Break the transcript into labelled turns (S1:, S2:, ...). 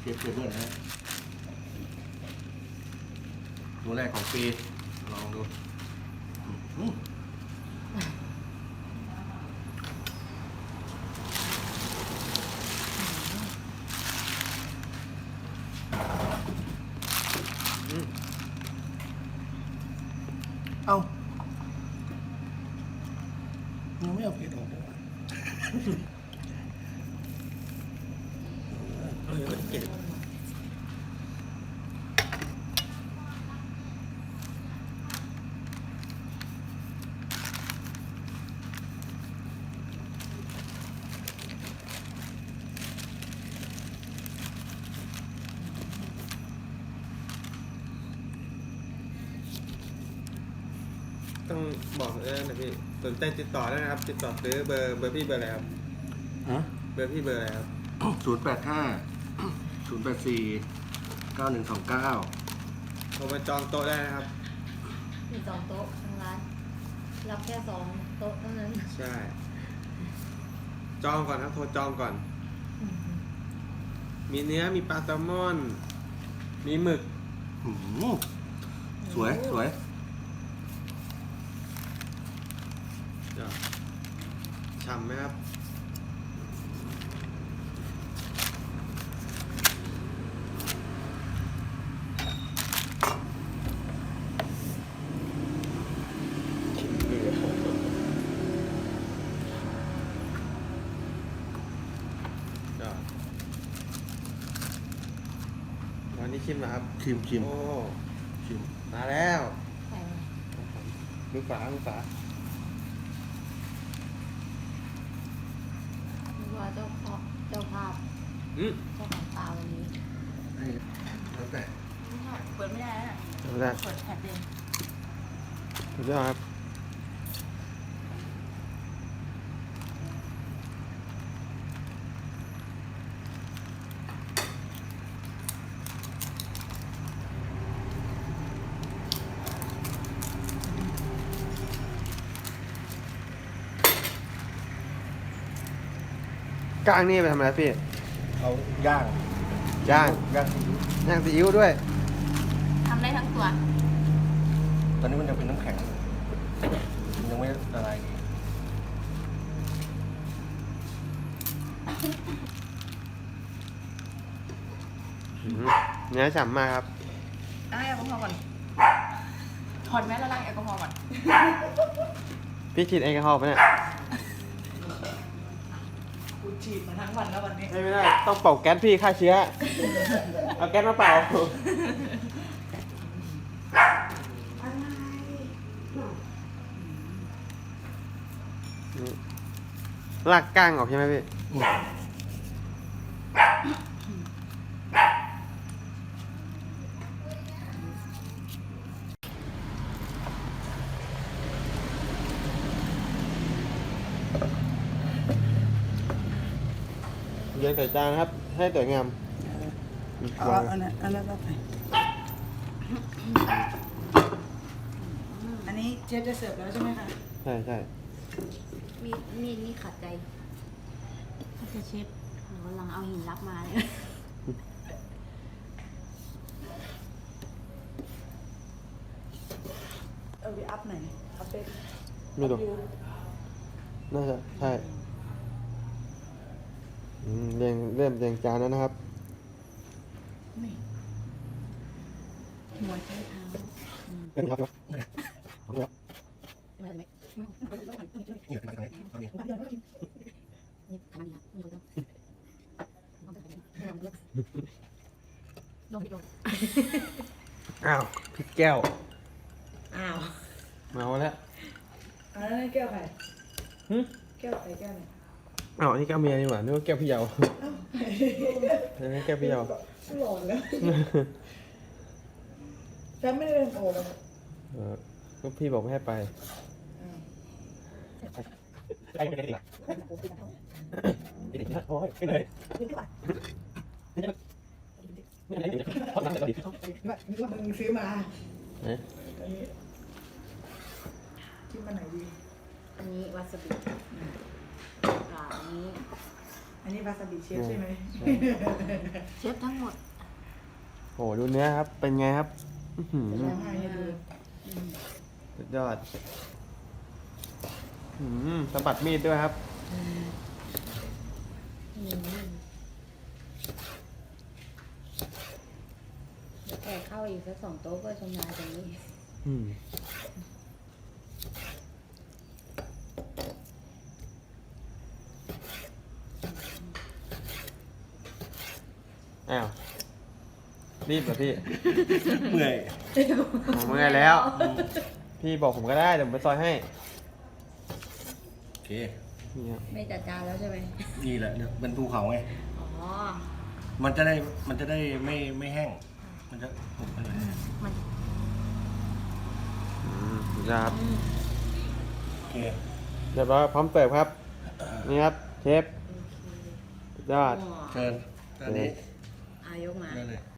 S1: ฟเพื่อนนะฮะตัวแรกของปีลองดูเอ้ายังไม่เอาเผ็ดออกเลยเก็บ
S2: ต้องบอกนะพี่สนใจติดต่อได้นะครับติดต่อซื้อเบอร์พี่เบอร์อะไรครับเบอร์พี่เบอร์อะไรครับ
S1: 085 084 9129
S2: โทรมาจองโต๊ะได้นะครับ
S3: มี2 โต๊ะทางร้านรับแค่2 โต๊ะเท่านั้น
S2: ใช่จองก่อนครับโทรจองก่อนมีเนื้อมีปลาแซลมอนมีหมึก
S1: สวยสวย
S2: ฉ่ำไหมครับวันนี้ชิมเหรอครับ
S1: ชิม
S2: โอ้
S1: ชิม
S2: มาแล้ว
S3: ใช่
S2: มือฝา
S3: นึกว่าเจ้าภาพเจ้าของตาวันนี้
S1: แล้วแต่
S4: เปิดไม่ได้แล้ว
S2: ได้
S4: เปิดแผ่นเอง
S2: สุดยอดครับกลางนี่ไปทำอะไรพี่
S1: เอาย่าง
S2: ย่าง
S1: ย่าง
S2: ย่างซีอิ๊วด้วย
S4: ทำได้ทั้งตัว
S1: ตอนนี้มันยังเป็นน้ำแข็งอยู่มันยังไม่ละลายดี
S2: เนื้อฉ่ำมากครับ
S4: ล้างแอลกอฮอล์ก่อนถอดแมสแล้วล้างแอลกอฮอล์ก่อน
S2: พี่ฉีดแอลกอฮอล์ปะเนี่ย
S4: กูฉีดมาทั้งวันแล้ววันนี้
S2: ไม่ได้ต้องเป่าแก๊สพี่ฆ่าเชื้อ เอาแก๊สมาเป่าลากก้างออกใช่ไหมพี่เรียงใส่จานครับให้สวยงาม
S5: อันนั้นก็ไปอันนี้เชฟจะเสิร์ฟแล้วใช่ไหมคะ
S2: ใช่ใช่
S3: มีนี่ขัดใจถ้าจะเชฟวันหลังเอาหินรับมาเลย
S5: เอาไปอัพไหนอัพเป็น
S2: ไม่ดูน่าจะใช่เริ่มเรียงจานแล้วนะครับ
S5: นี่หัวใจเท้า
S3: ไม่ได้ไหมนี่ทำอะไรนี่คนต้องลงไปลง
S2: อ้าวพี่แก้ว
S5: อ้าว
S2: มาแล้ว
S5: อันนั้นแก้วใคร
S2: หึ
S5: แก้วใครแก้วไหน
S2: อ้าวนี่แก้วเมียนี่หว่านึกว่าแก้วพี่เยาอันนี้แก้วพี่เยา
S5: หลอนแล้วฉันไม่ได้เป็นโอ้แล้ว
S2: ก็พี่บอกไม่ให้ไปไปไม่ได้หรอโอ้ยไปเลยไม่ได้เลยเขาทำแต่เราดี
S5: นึกว่ามึงซื้อมา
S2: เอ๊ะ
S5: อันนี้คิดมาไหนดี
S3: อันนี้วาซาบิอันนี้
S5: อันอันนี้วาซาบิเชฟใช่ไหม
S3: เชฟทั้งหมด
S2: โหดูเนื้อครับ เป็นไงครับอื้อหือ
S5: จะร้องไห้ให้ดู
S2: สุดยอดสะบัดมีดด้วยครับ
S3: เดี๋ยวแกเข้าอีกสัก2 โต๊ะก็ชำนาญตรงนี้
S2: อืมอ้าวรีบเหรอพี่
S1: เมื่อย
S2: ผมเมื่อยแล้ว พี่บอกผมก็ได้เดี๋ยวผมไปซอยให้
S1: โอเค
S2: นี่ครับ
S3: ไม่จัดจานแล้วใช่ไหม
S1: นี่แหละเนี่ยเป็นภูเขาไง
S3: อ๋อ
S1: มันจะได้ไม่แห้ง มันจะหมดไปเลย
S3: มัน
S2: สุดยอดครับ
S1: โอเค
S2: เรียบร้อยพร้อมเสิร์ฟครับ นี่ครับเชฟสุดยอด
S3: อ๋อ
S1: เชิญอันนี้
S3: อายกมา
S1: ได้เลย